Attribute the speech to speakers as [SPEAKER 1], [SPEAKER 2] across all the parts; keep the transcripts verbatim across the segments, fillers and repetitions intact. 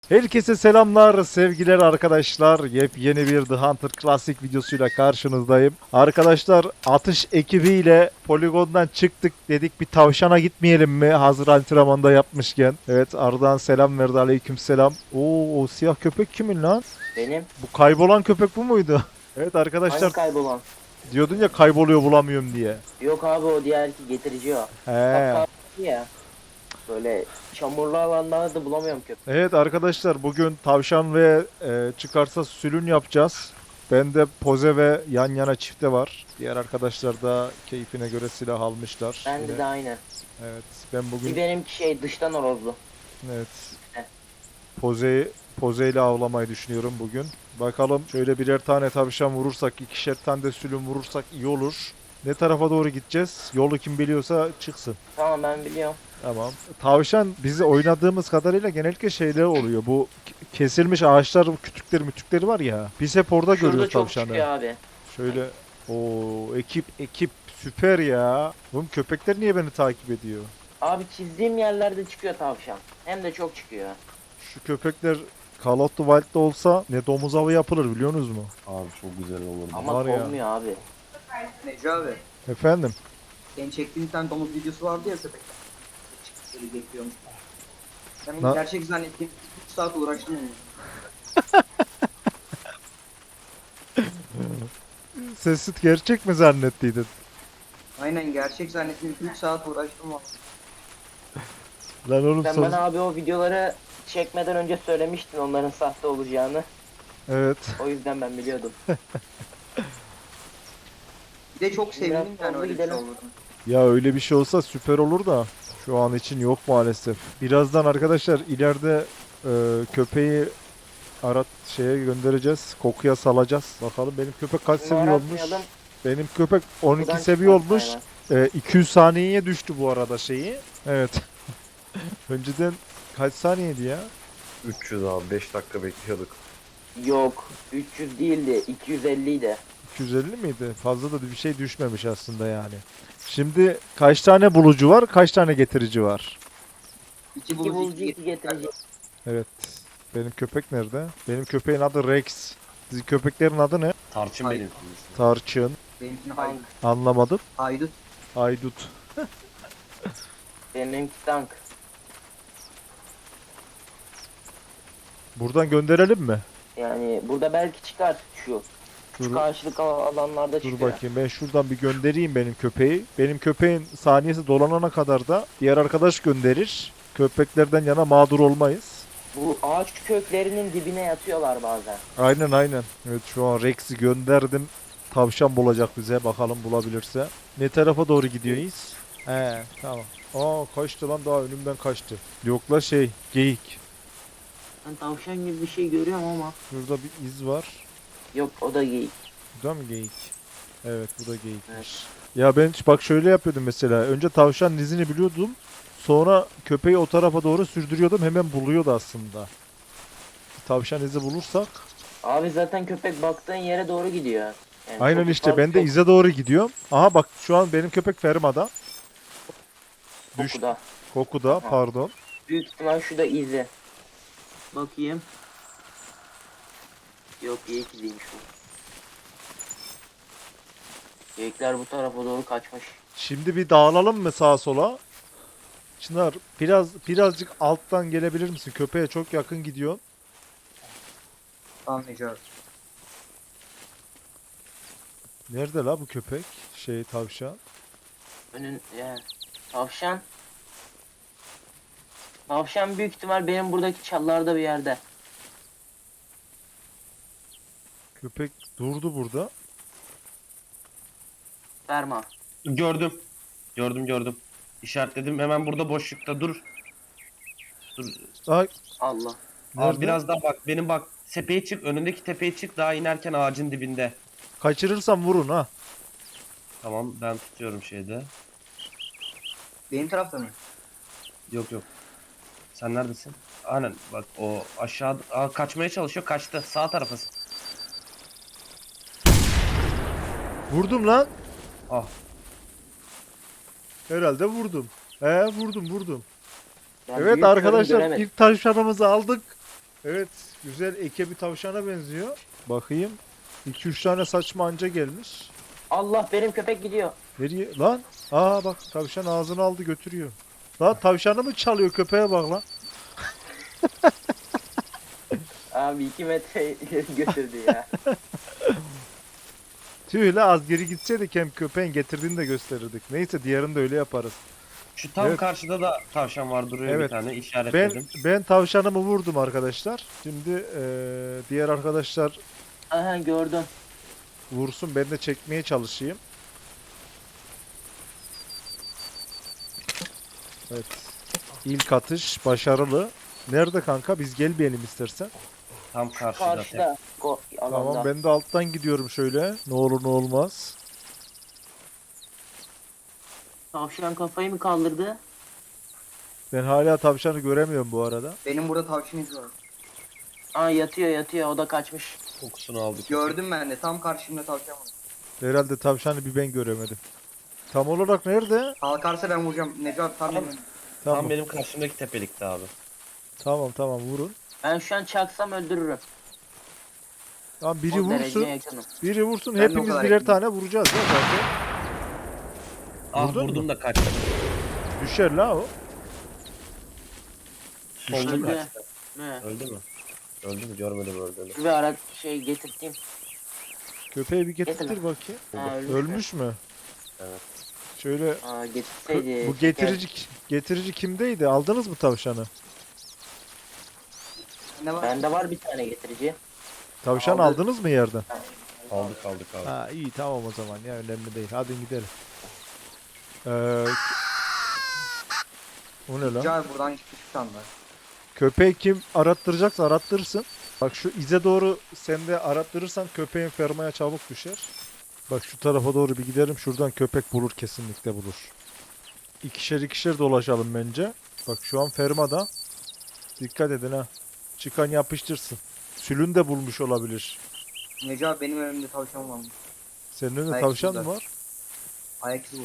[SPEAKER 1] Herkese selamlar, sevgiler arkadaşlar. Yepyeni bir The Hunter Classic videosuyla karşınızdayım. Arkadaşlar atış ekibiyle poligondan çıktık, dedik bir tavşana gitmeyelim mi? Hazır antrenmanda yapmışken. Evet, Ardahan selam verdi, aleyküm selam. Oo, o siyah köpek kimin lan?
[SPEAKER 2] Benim.
[SPEAKER 1] Bu kaybolan köpek bu muydu? Evet
[SPEAKER 2] Hangi
[SPEAKER 1] arkadaşlar,
[SPEAKER 2] kaybolan?
[SPEAKER 1] diyordun ya kayboluyor bulamıyorum diye.
[SPEAKER 2] Yok abi, o diğer ki getirici o.
[SPEAKER 1] He.
[SPEAKER 2] Kapkar ya. Böyle çamurlu alanlarda da bulamıyorum köpek.
[SPEAKER 1] Evet arkadaşlar, bugün tavşan ve e, çıkarsa sülün yapacağız. Bende poze ve yan yana çifte var. Diğer arkadaşlar da keyfine göre silah almışlar.
[SPEAKER 2] Bende
[SPEAKER 1] Yine-
[SPEAKER 2] de aynı.
[SPEAKER 1] Evet, ben
[SPEAKER 2] Bir
[SPEAKER 1] bugün
[SPEAKER 2] benimki şey dıştan horozlu.
[SPEAKER 1] evet
[SPEAKER 2] Heh.
[SPEAKER 1] pozeyi pozeyle avlamayı düşünüyorum bugün. Bakalım, şöyle birer tane tavşan vurursak, ikişer tane de sülün vurursak iyi olur. Ne tarafa doğru gideceğiz? Yolu kim biliyorsa çıksın.
[SPEAKER 2] Tamam, ben biliyorum.
[SPEAKER 1] Tamam. Tavşan bizi oynadığımız kadarıyla genellikle şeyler oluyor. Bu k- kesilmiş ağaçlar, kütükleri mütükleri var ya. Biz hep orada
[SPEAKER 2] Şurada
[SPEAKER 1] görüyoruz
[SPEAKER 2] çok
[SPEAKER 1] tavşanı.
[SPEAKER 2] çıkıyor abi.
[SPEAKER 1] Şöyle o ekip ekip süper ya. Oğlum köpekler niye beni takip ediyor?
[SPEAKER 2] Abi çizdiğim yerlerde çıkıyor tavşan. Hem de çok çıkıyor.
[SPEAKER 1] Şu köpekler Call of the Wild'da olsa ne domuz avı yapılır biliyorsunuz mu?
[SPEAKER 3] Abi çok güzel olurdu.
[SPEAKER 2] Ama
[SPEAKER 1] Var ya.
[SPEAKER 2] olmuyor abi.
[SPEAKER 4] Necmi abi,
[SPEAKER 1] Efendim?
[SPEAKER 4] senin çektiğin bir tane domuz videosu vardı ya köpekten. Çıkışları bekliyormuş. Ben onu
[SPEAKER 1] Na-
[SPEAKER 4] gerçek zannettim. üç saat uğraştım onunla.
[SPEAKER 1] Sesi gerçek mi zannettiydin?
[SPEAKER 4] Aynen gerçek zannettim. üç saat uğraştım valla.
[SPEAKER 1] Lan oğlum
[SPEAKER 2] Sen
[SPEAKER 1] sos-
[SPEAKER 2] bana abi o videoları çekmeden önce söylemiştin onların sahte olacağını.
[SPEAKER 1] Evet.
[SPEAKER 2] O yüzden ben biliyordum.
[SPEAKER 4] Bir de çok sevindim
[SPEAKER 2] Biraz
[SPEAKER 4] yani
[SPEAKER 2] hızlı
[SPEAKER 4] öyle bir şey
[SPEAKER 2] gidelim.
[SPEAKER 4] oldu.
[SPEAKER 1] Ya öyle bir şey olsa süper olur da şu an için yok maalesef. Birazdan arkadaşlar ileride e, köpeği arat şeye göndereceğiz. Kokuya salacağız. Bakalım benim köpek kaç
[SPEAKER 2] Şimdi
[SPEAKER 1] seviye olmuş?
[SPEAKER 2] aratmayalım.
[SPEAKER 1] Benim köpek on iki
[SPEAKER 2] Buradan
[SPEAKER 1] seviye
[SPEAKER 2] çıkmaz
[SPEAKER 1] olmuş.
[SPEAKER 2] hayvan.
[SPEAKER 1] E, iki yüz saniyeye düştü bu arada şeyi. Evet. Önceden kaç saniyeydi ya?
[SPEAKER 3] üç yüz abi beş dakika bekliyorduk.
[SPEAKER 2] Yok. üç yüz değildi. iki yüz elli idi.
[SPEAKER 1] iki yüz elli miydi? Fazla da bir şey düşmemiş aslında yani. Şimdi kaç tane bulucu var? Kaç tane getirici var?
[SPEAKER 4] İki
[SPEAKER 2] İki
[SPEAKER 4] bulucu,
[SPEAKER 2] bulucu,
[SPEAKER 4] iki
[SPEAKER 2] iki getirici.
[SPEAKER 1] Evet. Benim köpek nerede? Benim köpeğin adı Rex. Sizin köpeklerin adı ne?
[SPEAKER 3] Tarçın
[SPEAKER 4] Hayır.
[SPEAKER 3] benim.
[SPEAKER 1] Tarçın.
[SPEAKER 4] benimkini
[SPEAKER 2] Tank.
[SPEAKER 4] haydut.
[SPEAKER 1] Anlamadım.
[SPEAKER 4] Haydut.
[SPEAKER 1] Aydut.
[SPEAKER 2] Benimki tank.
[SPEAKER 1] Buradan gönderelim mi?
[SPEAKER 2] Yani burada belki çıkar şu. Şu
[SPEAKER 1] Dur,
[SPEAKER 2] karşılık al- alanlarda
[SPEAKER 1] dur
[SPEAKER 2] çıkıyor.
[SPEAKER 1] bakayım. Ben şuradan bir göndereyim benim köpeği. Benim köpeğin saniyesi dolanana kadar da diğer arkadaş gönderir. Köpeklerden yana mağdur olmayız.
[SPEAKER 2] Bu ağaç köklerinin dibine yatıyorlar bazen.
[SPEAKER 1] Aynen aynen. Evet, şu an Rex'i gönderdim. Tavşan bulacak bize. Bakalım bulabilirse. Ne tarafa doğru gidiyoruz? He, tamam. Aa, kaçtı lan, daha önümden kaçtı. Yok la şey, geyik.
[SPEAKER 2] Ben tavşan gibi bir şey görüyorum ama.
[SPEAKER 1] Şurada bir iz var.
[SPEAKER 2] Yok, o da geyik.
[SPEAKER 1] Bu da mı geyik? Evet, bu da geyikmiş.
[SPEAKER 2] Evet.
[SPEAKER 1] Ya ben bak şöyle yapıyordum mesela. Önce tavşanın izini biliyordum. Sonra köpeği o tarafa doğru sürdürüyordum. Hemen buluyordu aslında. Tavşan izi bulursak.
[SPEAKER 2] Abi zaten köpek baktığın yere doğru gidiyor. Yani
[SPEAKER 1] Aynen
[SPEAKER 2] çok
[SPEAKER 1] işte,
[SPEAKER 2] fazla
[SPEAKER 1] ben de
[SPEAKER 2] çok
[SPEAKER 1] ize doğru gidiyorum. Aha bak, şu an benim köpek fermada. Düş,
[SPEAKER 2] kokuda.
[SPEAKER 1] kokuda,
[SPEAKER 2] Aha.
[SPEAKER 1] pardon.
[SPEAKER 2] Büyük ihtimal şu da izi. Bakayım. Yok, geyik iziymiş bu. Geyikler bu tarafa doğru kaçmış.
[SPEAKER 1] Şimdi bir dağılalım mı sağa sola? Çınar, biraz birazcık alttan gelebilir misin? Köpeğe çok yakın gidiyor.
[SPEAKER 4] Tamam Necmi abi.
[SPEAKER 1] Nerede la bu köpek? Şey, tavşan.
[SPEAKER 2] Önün yani. Tavşan. Tavşan büyük ihtimal benim buradaki çallarda bir yerde.
[SPEAKER 1] Köpek durdu burada.
[SPEAKER 2] Ferma.
[SPEAKER 3] Gördüm. Gördüm gördüm. İşaretledim hemen burada boşlukta dur. Dur.
[SPEAKER 1] Ay,
[SPEAKER 2] Allah.
[SPEAKER 1] nerede?
[SPEAKER 3] Abi biraz daha bak benim bak tepeye çık önündeki tepeye çık daha inerken ağacın dibinde.
[SPEAKER 1] Kaçırırsam vurun ha.
[SPEAKER 3] Tamam ben tutuyorum şeyde.
[SPEAKER 4] Benim tarafta mı?
[SPEAKER 3] Yok yok. Sen neredesin? Aynen bak o aşağı Aa, kaçmaya çalışıyor kaçtı sağ tarafa.
[SPEAKER 1] Vurdum lan.
[SPEAKER 3] Ah
[SPEAKER 1] Herhalde vurdum. He, vurdum vurdum.
[SPEAKER 2] Ben
[SPEAKER 1] Evet
[SPEAKER 2] büyük
[SPEAKER 1] arkadaşlar,
[SPEAKER 2] göremedim.
[SPEAKER 1] ilk tavşanımızı aldık. Evet, güzel eke bir tavşana benziyor. Bakayım. iki üç tane saçma anca gelmiş.
[SPEAKER 2] Allah, benim köpek gidiyor.
[SPEAKER 1] Nereye? Lan! Aa bak tavşan ağzını aldı götürüyor. Lan tavşanı mı çalıyor, köpeğe bak lan.
[SPEAKER 2] Abi iki metre ileri götürdü ya.
[SPEAKER 1] Tüh la, az geri gitseydik hem köpeğin getirdiğini de gösterirdik. Neyse diğerini de öyle yaparız.
[SPEAKER 3] Şu tam
[SPEAKER 1] Evet.
[SPEAKER 3] karşıda da tavşan var duruyor
[SPEAKER 1] Evet.
[SPEAKER 3] bir tane
[SPEAKER 1] Ben
[SPEAKER 3] işaretledim.
[SPEAKER 1] ben tavşanımı vurdum arkadaşlar. Şimdi eee, diğer arkadaşlar
[SPEAKER 2] Aha, gördüm.
[SPEAKER 1] vursun, ben de çekmeye çalışayım. Evet. İlk atış başarılı. Nerede kanka? Biz gelmeyelim istersen.
[SPEAKER 3] Tam karşıda.
[SPEAKER 2] Karşıda. Go alanda.
[SPEAKER 1] Tamam, ben de alttan gidiyorum şöyle. Ne olur ne olmaz.
[SPEAKER 2] Tavşan kafayı mı kaldırdı?
[SPEAKER 1] Ben hala tavşanı göremiyorum bu arada.
[SPEAKER 4] Benim burada tavşan izi var.
[SPEAKER 2] Aa, yatıyor yatıyor, o da kaçmış.
[SPEAKER 3] Kokusunu aldık.
[SPEAKER 4] Gördüm ben de. Tam karşımda tavşan var.
[SPEAKER 1] Herhalde tavşanı bir ben göremedim. Tam olarak nerede?
[SPEAKER 4] Kalkarsa ben vuracağım. Necat tam
[SPEAKER 2] Tamam.
[SPEAKER 4] benim.
[SPEAKER 3] Tam
[SPEAKER 1] Tamam.
[SPEAKER 3] benim karşımdaki tepelikte abi.
[SPEAKER 1] Tamam tamam vurun.
[SPEAKER 2] Ben şu an çaksam öldürürüm.
[SPEAKER 1] Tamam, biri
[SPEAKER 2] O dereceye
[SPEAKER 1] vursun.
[SPEAKER 2] yakınım.
[SPEAKER 1] Biri vursun.
[SPEAKER 4] Ben de o
[SPEAKER 1] Hepimiz
[SPEAKER 4] kadar
[SPEAKER 1] birer
[SPEAKER 4] yakınım.
[SPEAKER 1] tane vuracağız ya zaten.
[SPEAKER 3] Ah
[SPEAKER 1] Vurdun
[SPEAKER 3] vurdum
[SPEAKER 1] mu?
[SPEAKER 3] da kaçtı.
[SPEAKER 1] Düşer la o.
[SPEAKER 3] Solda
[SPEAKER 2] Öldü.
[SPEAKER 3] kaçtı.
[SPEAKER 2] Ne?
[SPEAKER 3] Öldü mü? Öldü mü? Görmedim öldüğünü.
[SPEAKER 2] Bir ara şey getirteyim.
[SPEAKER 1] Köpeği bir getir
[SPEAKER 2] Getirme.
[SPEAKER 1] bakayım.
[SPEAKER 2] Ha, ölmüş.
[SPEAKER 1] Ölmüş mü?
[SPEAKER 3] Evet.
[SPEAKER 1] Şöyle
[SPEAKER 2] Aa,
[SPEAKER 1] kö-
[SPEAKER 2] getirseydi.
[SPEAKER 1] bu getirici getirici kimdeydi? Aldınız mı tavşanı?
[SPEAKER 4] Ne var?
[SPEAKER 2] Bende var bir tane getirici.
[SPEAKER 1] Tavşan
[SPEAKER 2] Aldı.
[SPEAKER 1] aldınız mı yerden?
[SPEAKER 3] Aldık aldık abi.
[SPEAKER 1] Ha iyi, tamam o zaman ya, önemli değil. Hadi gidelim. Ee, o ne lan?
[SPEAKER 4] Necat buradan çıkmış bir tane var.
[SPEAKER 1] Köpeği kim arattıracaksa arattırsın. Bak şu ize doğru sen de arattırırsan köpeğin fermaya çabuk düşer. Bak şu tarafa doğru bir gidelim. Şuradan köpek bulur, kesinlikle bulur. İkişer ikişer dolaşalım bence. Bak şu an fermada. Dikkat edin ha. Çıkan yapıştırsın. Sülün de bulmuş olabilir.
[SPEAKER 4] Necat benim önümde tavşan var.
[SPEAKER 1] Senin önünde
[SPEAKER 4] Ayak
[SPEAKER 1] tavşan
[SPEAKER 4] izi
[SPEAKER 1] mı
[SPEAKER 4] var.
[SPEAKER 1] var?
[SPEAKER 4] Ayak izi vurdu.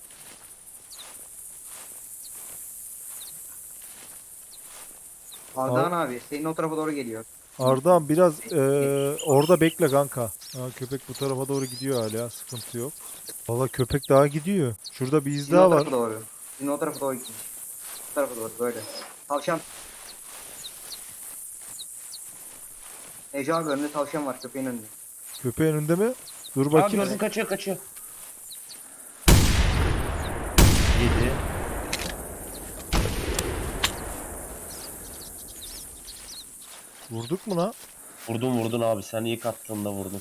[SPEAKER 4] Ardahan abi senin o tarafa doğru geliyor.
[SPEAKER 1] Ardahan biraz eee, orada bekle kanka. Ha, köpek bu tarafa doğru gidiyor hala. Sıkıntı yok. Valla köpek daha gidiyor. Şurada bir iz
[SPEAKER 4] Sizin o
[SPEAKER 1] daha var.
[SPEAKER 4] tarafa doğru. Sizin o tarafa doğru gitmiş. Bu tarafa doğru böyle. Tavşan. Necat abi önünde tavşan var köpeğin önünde.
[SPEAKER 1] Köpeğin önünde mi? Dur
[SPEAKER 3] Aa
[SPEAKER 1] bakayım.
[SPEAKER 3] gördüm, kaçıyor kaçıyor. Yedi.
[SPEAKER 1] Vurduk mu lan?
[SPEAKER 3] Vurdun vurdun abi, sen ilk attığında vurdun.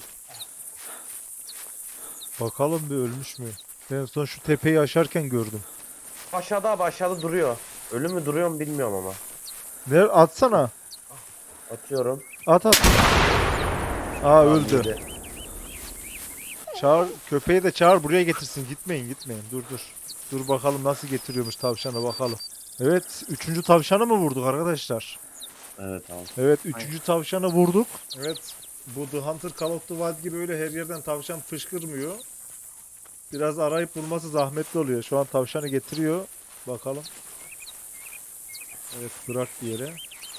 [SPEAKER 1] Bakalım bir ölmüş mü? En son şu tepeyi aşarken gördüm.
[SPEAKER 3] Aşağıda abi, aşağıda duruyor. Ölü mü duruyor mu bilmiyorum ama.
[SPEAKER 1] Ne atsana.
[SPEAKER 3] Atıyorum.
[SPEAKER 1] At at. Aa
[SPEAKER 3] Tamam,
[SPEAKER 1] öldü.
[SPEAKER 3] yedi.
[SPEAKER 1] Çağır, köpeği de çağır buraya getirsin. Gitmeyin gitmeyin. Dur dur. Dur bakalım nasıl getiriyormuş tavşanı, bakalım. Evet, üçüncü tavşanı mı vurduk arkadaşlar?
[SPEAKER 3] Evet abi.
[SPEAKER 1] Evet, üçüncü tavşanı vurduk. Evet, bu The Hunter Call of the Wild gibi öyle her yerden tavşan fışkırmıyor. Biraz arayıp bulması zahmetli oluyor. Şu an tavşanı getiriyor. Bakalım. Evet, bırak bir yere.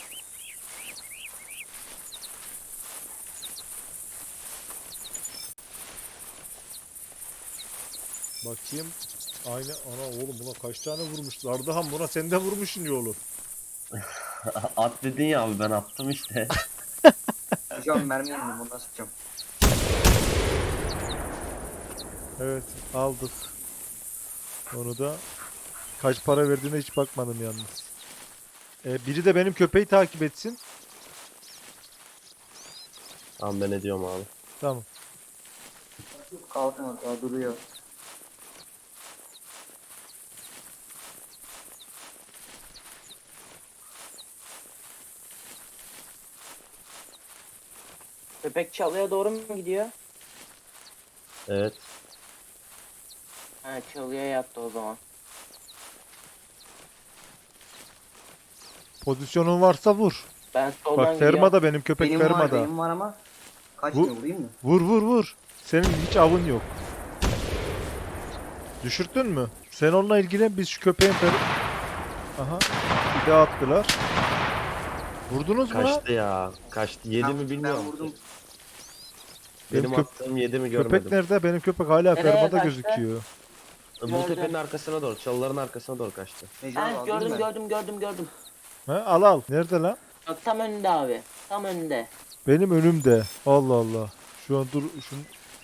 [SPEAKER 1] Bakayım. Aynı ana oğlum, buna kaç tane vurmuşlar? Ardahan, buna sen de vurmuşsun ya oğlum.
[SPEAKER 3] At dedin ya abi, ben attım işte.
[SPEAKER 4] Necat mermi yandım ondan sıkacağım.
[SPEAKER 1] Evet, aldık. Onu da kaç para verdiğine hiç bakmadım yalnız. Ee, biri de benim köpeği takip etsin.
[SPEAKER 3] Tamam, ben ediyorum abi.
[SPEAKER 1] Tamam.
[SPEAKER 4] Kalkın daha duruyor.
[SPEAKER 2] Köpek çalıya doğru mu gidiyor?
[SPEAKER 3] Evet.
[SPEAKER 2] Ha, çalıya yattı o zaman.
[SPEAKER 1] Pozisyonun varsa vur.
[SPEAKER 2] Ben soldan
[SPEAKER 1] Bak
[SPEAKER 2] gidiyorum.
[SPEAKER 1] fermada, benim köpek
[SPEAKER 4] Benim var
[SPEAKER 1] fermada.
[SPEAKER 4] benim var ama kaçmıyor vurayım mı?
[SPEAKER 1] Vur vur vur. Senin hiç avın yok. Düşürttün mü? Sen onunla ilgilen, biz şu köpeğin fer... Aha. Bir daha attılar. Vurdunuz mu lan?
[SPEAKER 3] Kaçtı ya. Kaçtı. Yedi
[SPEAKER 4] Ben-
[SPEAKER 3] mi bilmiyorum.
[SPEAKER 4] Ben vurdum.
[SPEAKER 3] Benim
[SPEAKER 1] Benim köp-
[SPEAKER 3] attığım yedi mi
[SPEAKER 1] Köpek
[SPEAKER 3] görmedim.
[SPEAKER 1] nerede? Benim köpek hala
[SPEAKER 2] Nereye
[SPEAKER 1] fermada
[SPEAKER 2] kaçtı?
[SPEAKER 1] gözüküyor.
[SPEAKER 3] Bu
[SPEAKER 2] Gördüm.
[SPEAKER 3] tepenin arkasına doğru. Çalıların arkasına doğru kaçtı.
[SPEAKER 4] Neco abi
[SPEAKER 2] Heh,
[SPEAKER 4] alayım
[SPEAKER 2] gördüm
[SPEAKER 4] ben.
[SPEAKER 2] gördüm gördüm gördüm.
[SPEAKER 1] He, al al. Nerede lan?
[SPEAKER 2] Bak tam önünde abi. Tam önünde.
[SPEAKER 1] Benim önümde. Allah Allah. Şu an dur şunu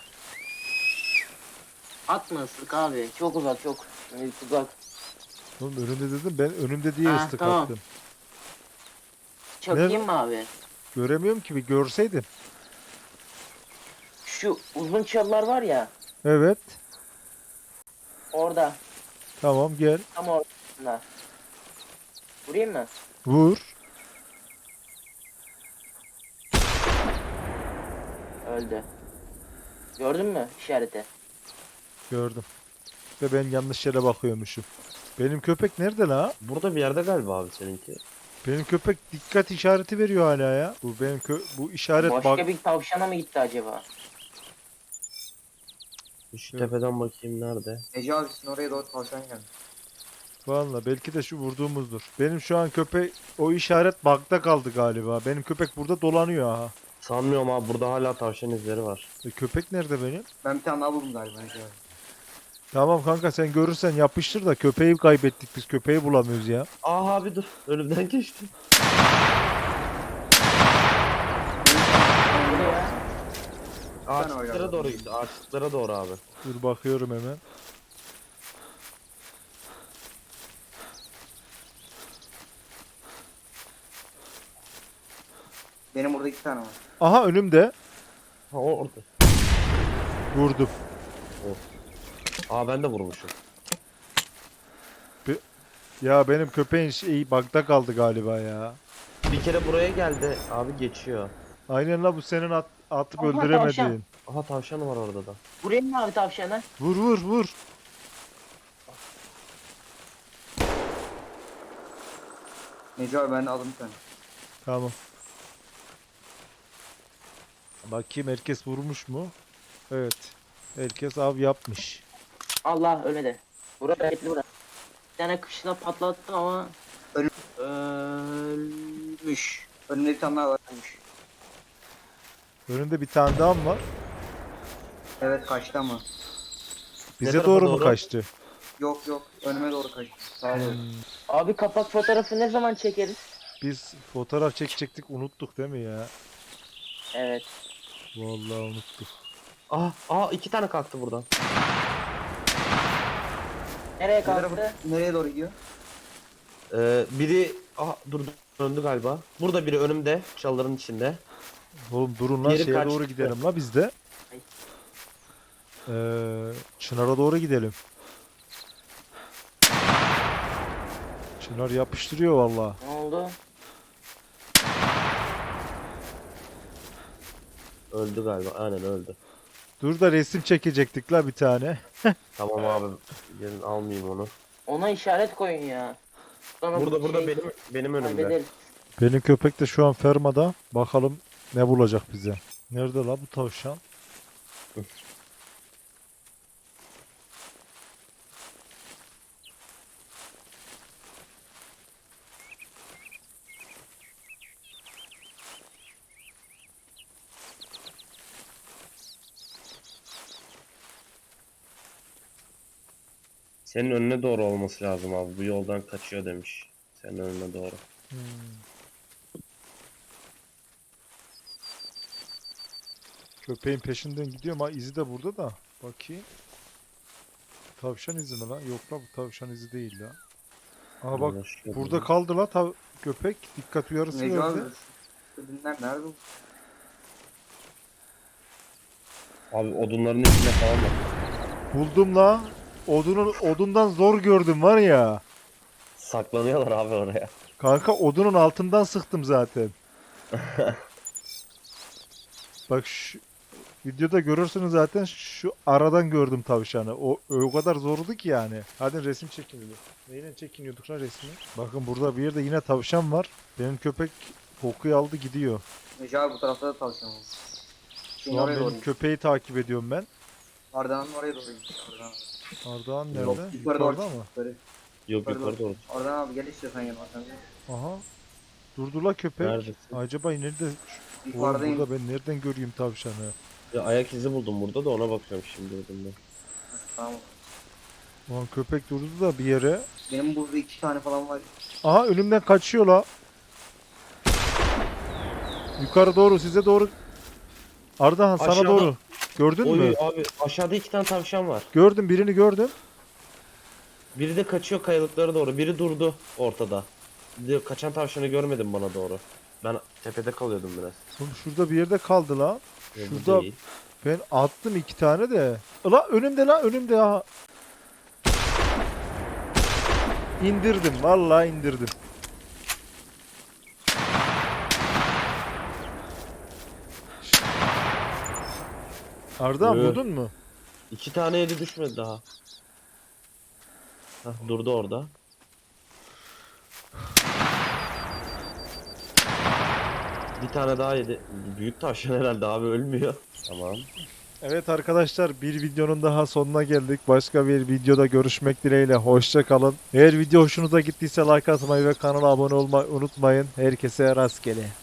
[SPEAKER 2] Atma ıslık abi. Çok uzak çok. Yani uzak.
[SPEAKER 1] oğlum önünde dedim ben önümde diye
[SPEAKER 2] Ha,
[SPEAKER 1] ıslık
[SPEAKER 2] tamam.
[SPEAKER 1] attım.
[SPEAKER 2] Çakayım
[SPEAKER 1] Nerede?
[SPEAKER 2] mı abi?
[SPEAKER 1] Göremiyorum ki bir görseydim.
[SPEAKER 2] Şu uzun çalılar var ya.
[SPEAKER 1] Evet.
[SPEAKER 2] Orada.
[SPEAKER 1] Tamam gel.
[SPEAKER 2] Tam orada. Vurayım mı?
[SPEAKER 1] Vur.
[SPEAKER 2] Öldü. Gördün mü işareti?
[SPEAKER 1] Gördüm. Ve ben yanlış yere bakıyormuşum. Benim köpek nerede la?
[SPEAKER 3] Burada bir yerde galiba abi seninki.
[SPEAKER 1] Benim köpek dikkat işareti veriyor hala ya. Bu benim kö bu işaret
[SPEAKER 2] Başka
[SPEAKER 1] bak.
[SPEAKER 2] bir tavşana mı gitti acaba?
[SPEAKER 3] Şu
[SPEAKER 1] Evet.
[SPEAKER 3] tepeden bakayım nerede.
[SPEAKER 4] Neco abi sizin oraya doğru tavşan geldi.
[SPEAKER 1] Valla belki de şu vurduğumuzdur. Benim şu an köpek o işaret bug'da kaldı galiba. Benim köpek burada dolanıyor ha.
[SPEAKER 3] Sanmıyorum abi, burada hala tavşan izleri var.
[SPEAKER 1] E, köpek nerede benim?
[SPEAKER 4] Ben bir tane daha buldum galiba Neco abi.
[SPEAKER 1] Tamam kanka sen görürsen yapıştır da köpeği kaybettik biz köpeği bulamıyoruz ya.
[SPEAKER 3] Aa abi dur, önümden geçti.
[SPEAKER 2] Bu ne ya?
[SPEAKER 3] Ağaçlıklara doğru gitti, ağaçlıklara doğru abi.
[SPEAKER 1] Dur bakıyorum hemen.
[SPEAKER 4] Benim burada iki tane var.
[SPEAKER 1] Aha önümde.
[SPEAKER 3] Ha o orada.
[SPEAKER 1] Vurdum.
[SPEAKER 3] Aa ben de vurmuşum.
[SPEAKER 1] Ya benim köpeğin şeyi bug'da kaldı galiba ya.
[SPEAKER 3] Bir kere buraya geldi abi, geçiyor.
[SPEAKER 1] Aynen la bu senin at, atıp
[SPEAKER 2] Aha,
[SPEAKER 1] öldüremediğin.
[SPEAKER 2] tavşan.
[SPEAKER 3] Aha tavşan var orada da.
[SPEAKER 2] Vurayım mı abi tavşana?
[SPEAKER 1] Vur vur vur.
[SPEAKER 4] Neco abi ben de aldım bir tane.
[SPEAKER 1] Tamam. Bakayım herkes vurmuş mu? Evet. Herkes av yapmış.
[SPEAKER 2] Allah ölmedi. Burada etli bura. Bir tane kışla patlattım ama
[SPEAKER 4] Ölü-
[SPEAKER 2] ölmüş.
[SPEAKER 4] Önümde bir tane daha var.
[SPEAKER 2] Ölmüş.
[SPEAKER 1] Önünde bir tane daha mı var?
[SPEAKER 4] Evet kaçtı ama.
[SPEAKER 1] Bize
[SPEAKER 3] tarafa
[SPEAKER 1] doğru mu
[SPEAKER 3] doğru?
[SPEAKER 1] kaçtı?
[SPEAKER 4] Yok yok önüme doğru kaçtı. Sağa doğru.
[SPEAKER 1] Hmm,
[SPEAKER 2] Abi kapak fotoğrafı ne zaman çekeriz?
[SPEAKER 1] Biz fotoğraf çekecektik unuttuk değil mi ya?
[SPEAKER 2] Evet.
[SPEAKER 1] Vallahi unuttuk.
[SPEAKER 3] Aa, aa iki tane kalktı buradan.
[SPEAKER 2] Nereye
[SPEAKER 4] Ne tarafa-
[SPEAKER 2] kalktı?
[SPEAKER 4] Nereye doğru gidiyor?
[SPEAKER 3] Ee, biri aha dur döndü galiba. Burada biri önümde, çalıların içinde.
[SPEAKER 1] Oğlum durun lan
[SPEAKER 3] Geri
[SPEAKER 1] şeye
[SPEAKER 3] kaçtı.
[SPEAKER 1] doğru gidelim la biz de.
[SPEAKER 2] Ay.
[SPEAKER 1] Ee, Çınar'a doğru gidelim. Çınar yapıştırıyor vallahi.
[SPEAKER 2] Ne oldu?
[SPEAKER 3] Öldü galiba, aynen öldü.
[SPEAKER 1] Dur da resim çekecektik la bir tane.
[SPEAKER 3] Tamam abi, gelin almayayım onu.
[SPEAKER 2] Ona işaret koyun ya. Sonra
[SPEAKER 3] Burada
[SPEAKER 2] bu
[SPEAKER 3] burada
[SPEAKER 2] şey
[SPEAKER 3] benim benim önümde.
[SPEAKER 2] kaybederiz.
[SPEAKER 1] Benim köpek de şu an fermada. Bakalım ne bulacak bize. Nerede la bu tavşan?
[SPEAKER 3] Senin önüne doğru olması lazım abi. Bu yoldan kaçıyor demiş. Senin önüne doğru.
[SPEAKER 1] Hmm. Köpeğin peşinden gidiyorum ha izi de burada da. Bakayım. Tavşan izi mi lan? Yok la bu tavşan izi değil la. Aha bak
[SPEAKER 3] Anlaşıldı.
[SPEAKER 1] burada kaldı la tav köpek. Dikkat uyarısı
[SPEAKER 4] Neco abi.
[SPEAKER 1] verdi.
[SPEAKER 4] Şu dinler nerede bu?
[SPEAKER 3] Abi odunların içinde falan bak.
[SPEAKER 1] Buldum la. Odunun odundan zor gördüm var ya.
[SPEAKER 3] Saklanıyorlar abi oraya.
[SPEAKER 1] Kanka odunun altından sıktım zaten. Bak şu videoda görürsünüz zaten şu aradan gördüm tavşanı. O o kadar zordu ki yani. Hadi resim çekiniyor. Neyle çekiniyorduk lan resmi? Bakın burada bir yerde yine tavşan var. Benim köpek kokuyu aldı gidiyor.
[SPEAKER 4] Neco abi bu tarafta da tavşan var. Şimdi
[SPEAKER 1] Şu an
[SPEAKER 4] oraya doğru
[SPEAKER 1] benim
[SPEAKER 4] gidiyor.
[SPEAKER 1] köpeği takip ediyorum ben.
[SPEAKER 4] Arda'nın oraya doğru gidiyor. Arda'nın.
[SPEAKER 1] Ardahan nerede?
[SPEAKER 3] Yok,
[SPEAKER 4] Yukarı doğru.
[SPEAKER 1] Yukarıda mı?
[SPEAKER 4] Yukarı.
[SPEAKER 3] Yok yukarı doğru.
[SPEAKER 4] Arda'nın abi gel istiyorsan yanıma sen. de.
[SPEAKER 1] Aha. Durdu la köpek.
[SPEAKER 3] Neredesin?
[SPEAKER 1] Acaba nerede? Oğlum
[SPEAKER 4] Yukarıdayım.
[SPEAKER 1] burada ben nereden göreyim tavşanı?
[SPEAKER 3] Ya ayak izi buldum burada da ona bakıyorum şimdi burada.
[SPEAKER 4] Tamam.
[SPEAKER 1] Ulan köpek durdu da bir yere.
[SPEAKER 4] Benim burada iki tane falan var.
[SPEAKER 1] Aha önümden kaçıyor la. Yukarı doğru size doğru. Ardahan sana
[SPEAKER 3] Aşağıda.
[SPEAKER 1] doğru. Gördün
[SPEAKER 3] Oy
[SPEAKER 1] mü?
[SPEAKER 3] abi aşağıda iki tane tavşan var.
[SPEAKER 1] Gördüm birini gördüm.
[SPEAKER 3] Biri de kaçıyor kayalıklara doğru. Biri durdu ortada. Bir de kaçan tavşanı görmedim bana doğru. Ben tepede kalıyordum biraz.
[SPEAKER 1] Oğlum şurada bir yerde kaldı la.
[SPEAKER 3] Yok, bu
[SPEAKER 1] Şurada
[SPEAKER 3] değil.
[SPEAKER 1] ben attım iki tane de. La önümde la önümde ha. İndirdim vallahi indirdim. Arda
[SPEAKER 3] Evet.
[SPEAKER 1] vurdun mu?
[SPEAKER 3] İki tane yedi düşmedi daha. Hah, durdu orada. Bir tane daha yedi. Büyük tavşan herhalde abi ölmüyor. Tamam.
[SPEAKER 1] Evet arkadaşlar bir videonun daha sonuna geldik. Başka bir videoda görüşmek dileğiyle. Hoşça kalın. Eğer video hoşunuza gittiyse like atmayı ve kanala abone olmayı unutmayın. Herkese rastgele.